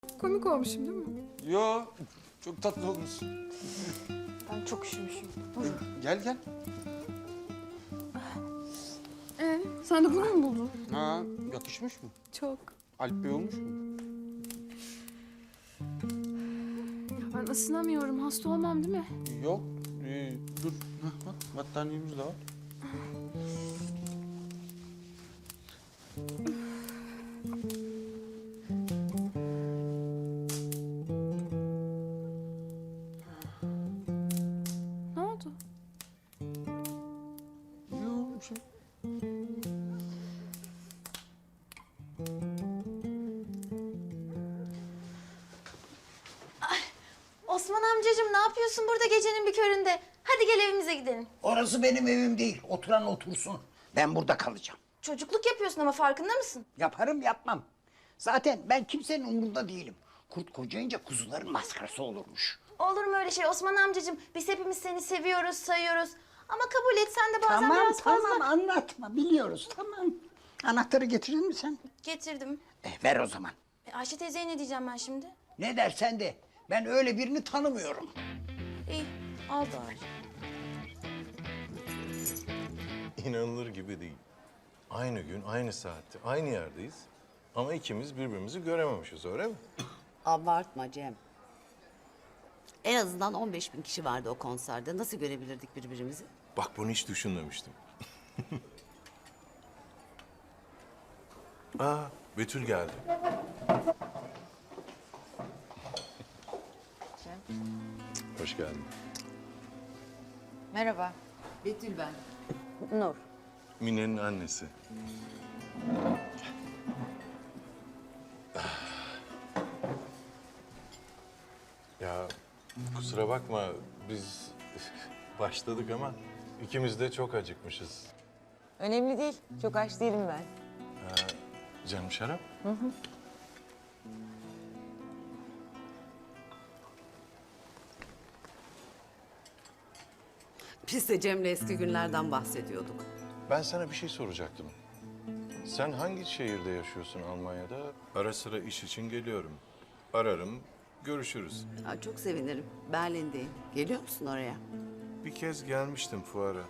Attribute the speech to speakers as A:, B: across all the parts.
A: Komik olmuşum değil mi?
B: Yo, çok tatlı olmuşsun.
A: Ben çok üşümüşüm. Buyurun.
B: Gel gel.
A: Sen de bunu mu buldun?
B: Ha, yakışmış mı?
A: Çok.
B: Alp Bey olmuş mu?
A: Ya ben ısınamıyorum. Hasta olmam değil mi?
B: Yok, dur. Hah, bak battaniyemiz de var.
A: Ne oldu?
B: Yok, bir şey.
C: Osman amcacığım ne yapıyorsun burada gecenin bir köründe? Hadi gel evimize gidelim.
D: Orası benim evim değil. Oturan otursun. Ben burada kalacağım.
C: Çocukluk yapıyorsun ama farkında mısın?
D: Yaparım yapmam. Zaten ben kimsenin umurunda değilim. Kurt kocayınca kuzuların maskarası olurmuş.
C: Olur mu öyle şey Osman amcacığım? Biz hepimiz seni seviyoruz, sayıyoruz. Ama kabul et sen de bazen
D: Tamam
C: biraz fazla...
D: tamam anlatma biliyoruz tamam. Anahtarı getirir mi sen?
C: Getirdim.
D: Ver o zaman.
C: Ayşe teyzeye ne diyeceğim ben şimdi?
D: Ne dersen de ben öyle birini tanımıyorum.
C: İyi, al bari.
E: İnanılır gibi değil. Aynı gün, aynı saatte, aynı yerdeyiz. Ama ikimiz birbirimizi görememişiz, öyle mi?
F: Abartma Cem. En azından 15.000 kişi vardı o konserde. Nasıl görebilirdik birbirimizi?
E: Bak bunu hiç düşünmemiştim. Aa, Betül geldi. Hoş geldin.
G: Merhaba.
F: Betül ben.
G: Nur.
E: Mine'nin annesi. Ya kusura bakma biz başladık ama ikimiz de çok acıkmışız.
G: Önemli değil. Çok aç değilim ben.
E: Canım şarap?
F: Biz de Cem'le eski günlerden bahsediyorduk.
E: Ben sana bir şey soracaktım. Sen hangi şehirde yaşıyorsun Almanya'da? Ara sıra iş için geliyorum. Ararım, görüşürüz.
F: Aa, çok sevinirim. Berlin'deyim. Geliyor musun oraya?
E: Bir kez gelmiştim fuara.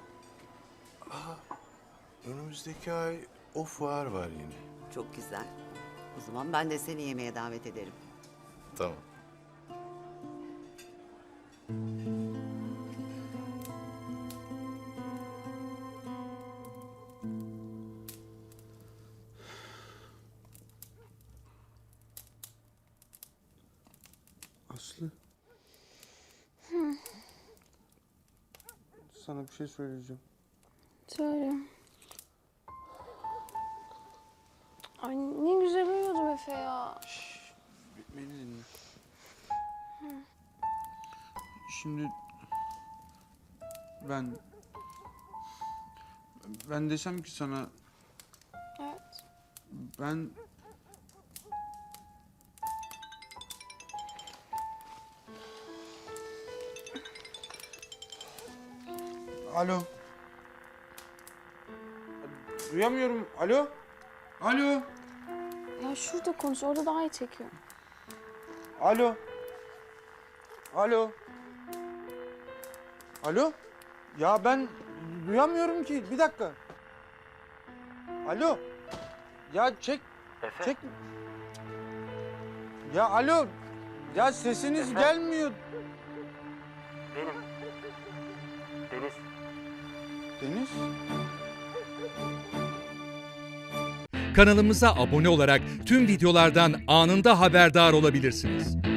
E: Önümüzdeki ay o fuar var yine.
F: Çok güzel. O zaman ben de seni yemeğe davet ederim.
E: Tamam.
B: Aslı. Sana bir şey söyleyeceğim.
A: Söyle. Ay ne güzel uyuyordum Efe ya.
B: Beni dinle. Şimdi ben desem ki sana
A: Evet.
B: ben Alo. Duyamıyorum. Alo. Alo.
A: Ya şurada konuş. Orada daha iyi çekiyor.
B: Alo. Alo. Alo. Ya ben duyamıyorum ki. Bir dakika. Alo. Ya çek.
H: Efe.
B: Çek. Ya alo. Ya sesiniz
H: Efe.
B: gelmiyor.
H: Benim. Deniz.
B: Deniz.
I: Kanalımıza abone olarak tüm videolardan anında haberdar olabilirsiniz.